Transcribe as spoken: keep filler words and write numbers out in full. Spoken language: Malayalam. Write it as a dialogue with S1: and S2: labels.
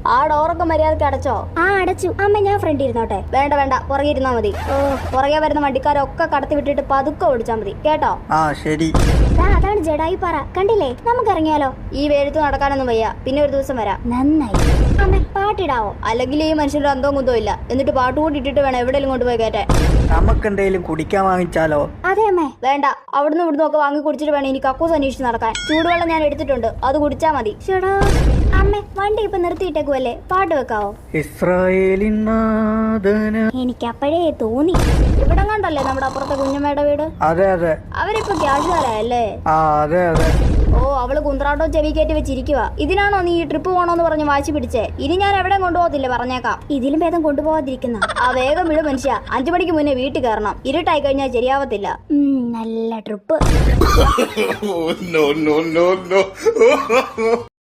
S1: ആ ഡോറൊക്കെ മര്യാദക്ക് അടച്ചോ?
S2: ആ അടച്ചു. അമ്മ ഞാൻ ഫ്രണ്ട് ഇരുന്നോട്ടെ?
S1: വേണ്ട വേണ്ട, പുറകെ ഇരുന്നാ മതി. ഓ, പുറകെ വരുന്ന വണ്ടിക്കാരൊക്കെ കടത്തി വിട്ടിട്ട് പതുക്കെ ഓടിച്ചാ മതി കേട്ടോ?
S3: ആ ശരി.
S2: അതാണ് ജഡായി പാറ, കണ്ടില്ലേ? നമുക്ക് ഇറങ്ങിയാലോ?
S1: ഈ വേഴത്ത് നടക്കാനൊന്നും വയ്യ, പിന്നെ ഒരു ദിവസം വരാം.
S2: നന്നായി. അമ്മ പാട്ടിടാവോ?
S1: അല്ലെങ്കിൽ ഈ മനുഷ്യന്റെ അന്തവും കുന്തവും ഇല്ല. എന്നിട്ട് പാട്ട് കൂടി ഇട്ടിട്ട് വേണം എവിടെയെങ്കിലും കൊണ്ടുപോയി കയറ്റാൻ.
S3: നമുക്കെന്തേലും കുടിക്കാൻ വാങ്ങിച്ചാലോ?
S2: അതെ അമ്മേ.
S1: വേണ്ട, അവിടുന്ന് ഇവിടുന്ന് ഒക്കെ വാങ്ങി കുടിച്ചിട്ട് വേണം ഇനി കക്കൂസ് അന്വേഷിച്ച് നടക്കാൻ. ചൂടുവെള്ളം ഞാൻ എടുത്തിട്ടുണ്ട്, അത് കുടിച്ചാ മതി.
S2: ചേടാ അമ്മ, വണ്ടി ഇപ്പൊ നിർത്തിയിട്ടേക്കുവല്ലേ, പാട്ട് വെക്കാവോ?
S3: ഇസ്രായേലിൻ നാഥന.
S2: എനിക്ക് അപ്പോഴേ തോന്നി.
S1: ഇവിടെ കണ്ടല്ലേ നമ്മുടെ അപ്പുറത്തെ കുഞ്ഞമ്മയുടെ വീട്?
S3: അതെ അതെ.
S1: അവരിപ്പോ ക്യാഷുകാരല്ലേ?
S3: ആ അതെ അതെ.
S1: ഓ, അവള് കുന്ത്രാട്ടോ ചെവി കയറ്റി വെച്ചിരിക്കുക. ഇതിനാണോ നീ ഈ ട്രിപ്പ് പോണോന്ന് പറഞ്ഞ് വാശി പിടിച്ചേ? ഇനി ഞാൻ എവിടെ കൊണ്ടുപോകത്തില്ല, പറഞ്ഞേക്കാം.
S2: ഇതിലും ഭേദം കൊണ്ടുപോകാതിരിക്കുന്ന.
S1: ആ വേഗം വിട് മനുഷ്യ, അഞ്ചു മണിക്ക് മുന്നേ വീട്ടിൽ കയറണം. ഇരുട്ടായി കഴിഞ്ഞാൽ ശരിയാവത്തില്ല.
S2: നല്ല trip.
S4: no, no, no, no.